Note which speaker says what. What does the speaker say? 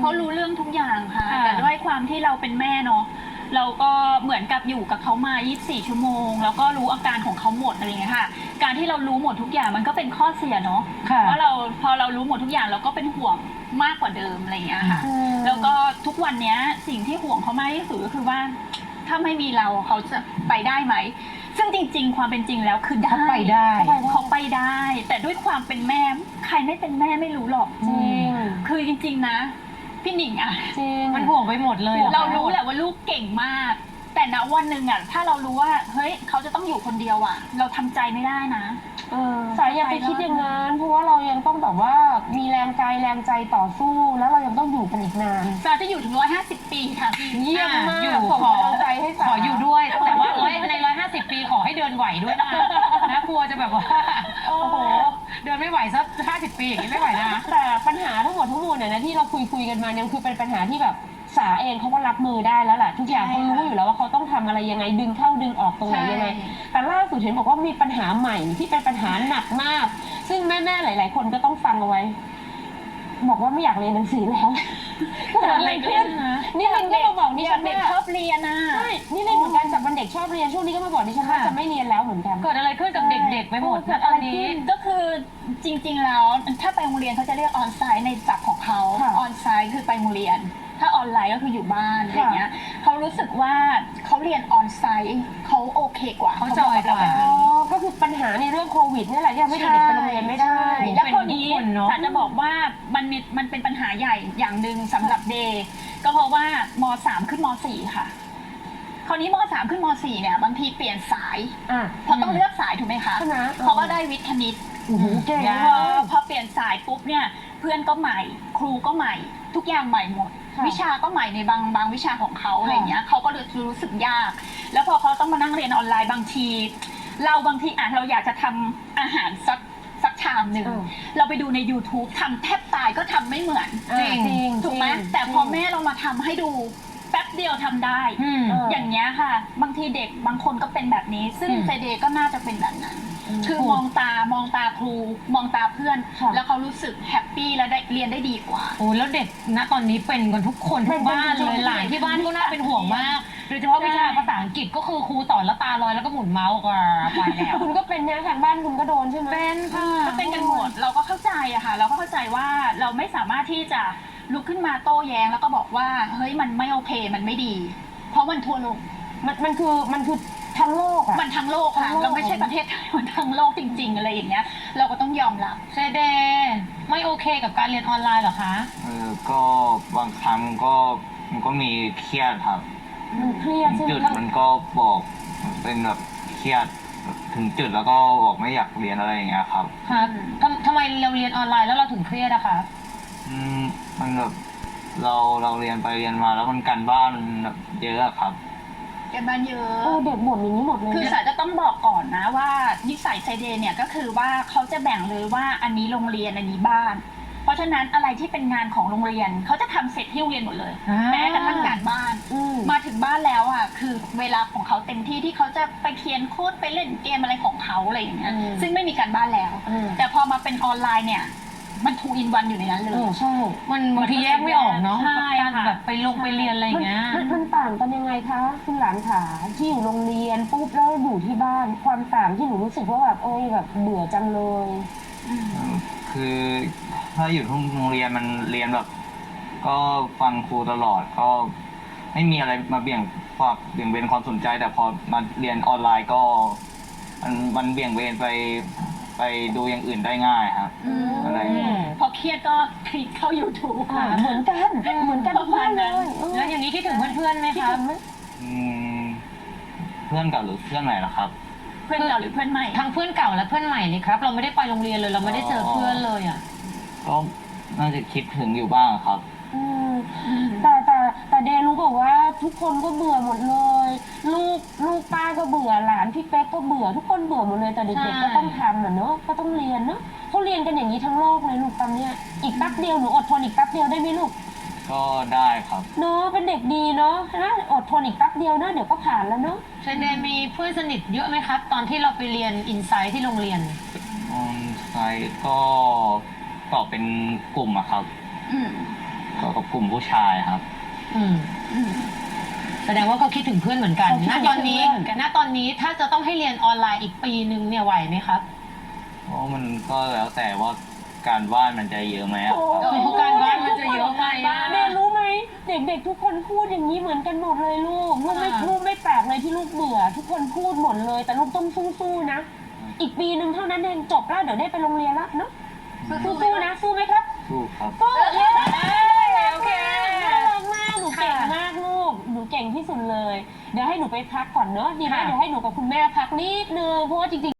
Speaker 1: เขารู้เรื่องทุกอย่างค่ะแต่ด้วยความที่เราเป็นแม่เนาะเราก็เหมือนกับอยู่กับเขามา24 ชั่วโมงแล้วก็รู้อาการของเขาหมดอะไรอย่างเงี้ยค่ะการที่เรารู้หมดทุกอย่างมันก็เป็นข้อเสียเนาะว่าเราพอเรารู้หมดทุกอย่างเราก็เป็นห่วงมากกว่าเดิมอะไรอย่างเงี้ยค่ะแล้วก็ทุกวันนี้สิ่งที่ห่วงเขามากที่สุดก็คือว่าถ้าไม่มีเราเขาจะไปได้ไหมซึ่งจริงๆความเป็นจริงแล้วคือได้
Speaker 2: เขาไปได้
Speaker 1: เขาไปได้ แต่ด้วยความเป็นแม่ใครไม่เป็นแม่ไม่รู้หรอก
Speaker 2: จริง
Speaker 1: คือจริงๆนะพี่หนิงอะ
Speaker 2: จริง
Speaker 3: มันห่วงไปหมดเลยเหรอ
Speaker 1: เรารู้แหละว่าลูกเก่งมาก แต่ณวันหนึ่งอะถ้าเรารู้ว่าเฮ้ยเขาจะต้องอยู่คนเดียวอะเราทำใจไม่ได้นะ
Speaker 2: สายอย่าไปคิดอย่างนั้นเพราะว่าเรายังต้องแบบว่ามีแรงกายแรงใจต่อสู้ แล้วเรายังต้องอยู่กันอีกนาน
Speaker 1: สาจะอยู่ถึง150 ปีค่ะพี่
Speaker 2: เยี่ยมมาก
Speaker 3: อยู่
Speaker 2: ส่ง
Speaker 3: ขอก
Speaker 2: ำลังใจให้สา
Speaker 3: ขออยู่ด้วย แต่ว่าใน150 ปีขอให้เดินไหวด้วยนะกลัวจะแบบว่าโอ้โหเดินไม่ไหวสัก50 ปีอย่างนี้ไม่ไหวนะ
Speaker 2: แต่ปัญหาทั้งหมดเนี่ยนะที่เราคุยกันมาเนี่ยคือเป็นปัญหาที่แบบสาเองเขาก็รับมือได้แล้วแหละทุกอย่างเขารู้อยู่แล้วว่าเขาต้องทำอะไรยังไงดึงเข้าดึงออกตรงไหนยังไง แต่ล่าสุดเห็นบอกว่ามีปัญหาใหม่ที่เป็นปัญหาหนักมาก ซึ่งแม่ๆหลาย ๆ คนก็ต้องฟังเอาไว้ บอกว่าไม่อยากเรียนหนังสือแล้วเกิดอะไรขึ้นนี่ลินก็มาบอกดิฉัน
Speaker 1: เด็ก
Speaker 2: ว่า
Speaker 1: ชอบเรียนนะ
Speaker 2: ใช่นี่ลินเหมือนกันจากวันเด็กชอบเรียนช่วงนี้ก็มาบอกดิฉันว่าจะไม่เรียนแล้วเหมือนกัน
Speaker 3: เกิดอะไรขึ้นกับเด็กๆไปหมด
Speaker 2: เกิ
Speaker 3: นะ
Speaker 2: ด
Speaker 3: ต
Speaker 2: อะ
Speaker 3: อ
Speaker 2: ไร
Speaker 3: นนี้
Speaker 2: ขึ้น
Speaker 1: ก็คือจริงๆแล้วถ้าไปโรงเรียนเขาจะเรียกออนไซต์ในศัพท์ของเขา
Speaker 2: ค่ะ
Speaker 1: ออนไซต์คือไปโรงเรียน ถ้าออนไลน์ก็คืออยู่บ้านอะไรเงี้ยเขารู้สึกว่าเขาเรียนออนไซต์เขาโอเคกว่า
Speaker 3: เขาจอยกว่า
Speaker 1: แบบ
Speaker 2: อ๋อ
Speaker 1: นี้
Speaker 2: ก็คือปัญหาในเรื่องโควิดนี่แหละที่ทำให้เด็กไปโรงเรียนไม่ได้
Speaker 1: ใช่แล้วคราวนี้
Speaker 3: เป็นทุกคนเนอะ
Speaker 1: สารจะบอกว่ามันเป็นปัญหาใหญ่อย่างหนึ่งสำหรับเดย์ก็เพราะว่าม3ขึ้นม4ค่ะ คราวนี้ม3ขึ้นม4เนี่ยบางทีเปลี่ยนสาย
Speaker 2: อ่ะ
Speaker 1: เพราะต้องเลือกสายถูกไหมคะ
Speaker 2: ใช่ไหม
Speaker 1: เขาก็ได้วิทย์คณิต
Speaker 2: โอ้โหเก่ง
Speaker 3: ยาก
Speaker 1: พอเปลี่ยนสายปุ๊บเนี่ยเพื่อนก็ใหม่ ครูก็ใหม่ ทุกอย่างใหม่หมด
Speaker 2: ค่ะ
Speaker 1: วิชาก็ใหม่ในบางวิชาของเขาอะไรเงี้ยเขาก็รู้สึกยาก แล้วพอเขาต้องมานั่งเรียนออนไลน์บางที เราบางทีเราอยากจะทำอาหารสักชามหนึ่งเราไปดูใน YouTube ทำแทบตายก็ทำไม่เหมือน
Speaker 2: จริง
Speaker 1: ถูกไหมแต่พอแม่เรามาทำให้ดูแป๊บเดียวทำได้
Speaker 3: อืม
Speaker 1: อย่างเงี้ยค่ะ บางทีเด็กบางคนก็เป็นแบบนี้ ซึ่งเจเดก็น่าจะเป็นแบบนั้น คือมองตาครู มองตาเพื่อน
Speaker 2: ค่ะ
Speaker 1: แล้วเขารู้สึกแฮปปี้และได้เรียนได้ดีกว่า
Speaker 3: โอ้แล้วเด็กณตอนนี้เป็นกันทุกคนทุกบ้านเลยหลานที่บ้านก็น่าเป็นห่วงมากโดยเฉพาะวิชาภาษาอังกฤษก็คือครูสอนแล้วตาลอยแล้วก็หมุนเมาส์ก็ไปแล้ว
Speaker 2: คุณก็เป็นเนี่ยทางบ้านคุณก็โดนใช่ไหม
Speaker 3: เป็นค่ะ
Speaker 1: ก็เป็นกันหมดเราก็เข้าใจอะค่ะ เราก็เข้าใจว่าเราไม่สามารถที่จะลุกขึ้นมาโต้แย้งแล้วก็บอกว่าเฮ้ยมันไม่โอเคมันไม่ดี เพราะมันทั่วโลก
Speaker 2: มันคือทั้งโลกอะ
Speaker 1: มันทั้งโลกค่ะ
Speaker 2: ทั้งโลก
Speaker 1: เราไม่ใช่ประเทศไทยมันทั้งโลกจริง ๆ อะไรอย่างเงี้ย เราก็ต้องยอมรับ
Speaker 3: เจเดไม่โอเคกับการเรียนออนไลน์เหรอคะ
Speaker 4: ก็บางครั้งมันก็มีเครียดครับ
Speaker 2: มันเครียดใช่ไหม
Speaker 4: จุดมันก็บอกเป็นแบบเครียดถึงจุดแล้วก็บอกไม่อยากเรียนอะไรอย่างเงี้ยครับ
Speaker 3: คะทำไมเราเรียนออนไลน์แล้วเราถึงเครียดอะคะ
Speaker 4: มันแบบเราเรียนไปเรียนมาแล้วมันการบ้านมันแบบเยอะอะครับ
Speaker 1: กันบ้านเยอะ
Speaker 2: เด็กบ่นอย่างนี้หมดเลย
Speaker 1: คือสายจะต้องบอกก่อนนะว่านิสัยไซเดนเนี่ยก็คือว่าเขาจะแบ่งเลยว่าอันนี้โรงเรียนอันนี้บ้าน เพราะฉะนั้นอะไรที่เป็นงานของโรงเรียนเขาจะทำเสร็จที่โรงเรียนหมดเลย แม้กระทั่งการบ้าน มาถึงบ้านแล้วอ่ะคือเวลาของเขาเต็มที่ที่เขาจะไปเขียนโค้ดไปเล่นเกมอะไรของเขาอะไรอย่างเงี้ยซึ่งไม่มีการบ้านแล้ว แต่พอมาเป็นออนไลน์เนี่ยมันทูอินวันอยู่ในนั้นเลย
Speaker 2: ใช่
Speaker 3: มันบางทีแยกไม่ออกเนาะ
Speaker 1: ใช่
Speaker 3: การ
Speaker 1: ค่ะ
Speaker 3: แบบไปเรียนอะไรอย่างเงี้ย
Speaker 2: มันต่างกันยังไงคะคุณหลานขาที่อยู่โรงเรียนปุ๊บแล้วอยู่ที่บ้านความต่างที่หนูรู้สึกว่าแบบแบบเบื่อจังเลย
Speaker 4: คือถ้าอยู่ที่โรงเรียนมันเรียนแบบ ก็ฟังครูตลอดก็ไม่มีอะไรมาเบี่ยงเบนความสนใจ แต่พอมาเรียนออนไลน์ก็มันเบี่ยงเบนไปดูอย่างอื่นได้ง่ายครับอะไรอย่างเงี้ย
Speaker 1: พอเครียดก็คลิกเข้า YouTube
Speaker 2: เหมือนกันทุกบ้านเลย
Speaker 3: แล้วอย่างนี้คิดถึงเพื่อนๆไหม
Speaker 2: คิด
Speaker 3: คะ
Speaker 2: ถึงไหม
Speaker 4: อืมเพื่อนเก่าหรือเพื่อนใหม่ล่ะครับ
Speaker 1: เพื่อนเก่าหรือเพื่อนใหม่
Speaker 3: ทั้งเพื่อนเก่าและเพื่อนใหม่เลยครับ เราไม่ได้ไปโรงเรียนเลยเราไม่ได้เจอเพื่อนเลยอ่ะ
Speaker 4: ก็น่าจะคิดถึงอยู่บ้างครับ
Speaker 2: แต่เดรู้บอกว่าทุกคนก็เบื่อหมดเลย ลูกป้าก็เบื่อหลานพี่เป๊กก็เบื่อทุกคนเบื่อหมดเลยแต่เด็กๆก็ต้องทำเนอะก็ต้องเรียนเนอะเขาเรียนกันอย่างนี้ทั้งโลกเลยลูกตอนเนี้ยอีกแป๊บเดียวหนูอดทนอีกแป๊บเดียวได้ไหมลูก
Speaker 4: ก็ได้ครับ
Speaker 2: เนอะเป็นเด็กดีเนอะนะอดทนอีกแป๊บเดียวนะเดี๋ยวก็ผ่านแล้วเนอะ
Speaker 3: เจเดมีเพื่อนสนิทเยอะไหมครับ ตอนที่เราไปเรียนอินไซต์ที่โรงเรียน
Speaker 4: ออนไซต์ก็ตอบเป็นกลุ่มอะครับ
Speaker 1: อืม
Speaker 4: ก็กับกลุ่มผู้ชายครับ
Speaker 3: อืมแสดงว่าเขาคิดถึงเพื่อนเหมือนกัน
Speaker 2: เขาคิด
Speaker 3: ณ
Speaker 2: ถึง
Speaker 3: ตอนนี้
Speaker 2: เพื่อน
Speaker 3: ณตอนนี้ถ้าจะต้องให้เรียนออนไลน์อีกปีนึงเนี่ยไหวไหมครับ
Speaker 4: เพราะมันก็แล้วแต่ว่าการบ้านมันจะเยอะไหมอะ
Speaker 2: โอ้
Speaker 4: ครับ
Speaker 3: เพราะการบ้านมันจะเยอะไปอะ
Speaker 2: เรียนรู้ไหมเด็กๆทุกคนพูดอย่างนี้เหมือนกันหมดเลยลูกไม่แปลกเลยที่ลูกเบื่อ ทุกคนพูดหมดเลย แต่ลูกต้องสู้ๆนะ อีกปีหนึ่งเท่านั้นเองจบแล้วเดี๋ยวได้ไปโรงเรียนแล้วเนาะสู้ๆนะสู้ไหมครับ
Speaker 4: สู้ครับ
Speaker 2: สู้เย้
Speaker 1: โอเค
Speaker 2: น่ารักมากหนูเก่งมากลูกหนูเก่งที่สุดเลย เดี๋ยวให้หนูไปพักก่อนเนอะดีไหม
Speaker 1: ค่ะ
Speaker 2: เดี๋ยวให้หนูกับคุณแม่พักนิดนึงเพราะว่าจริงๆ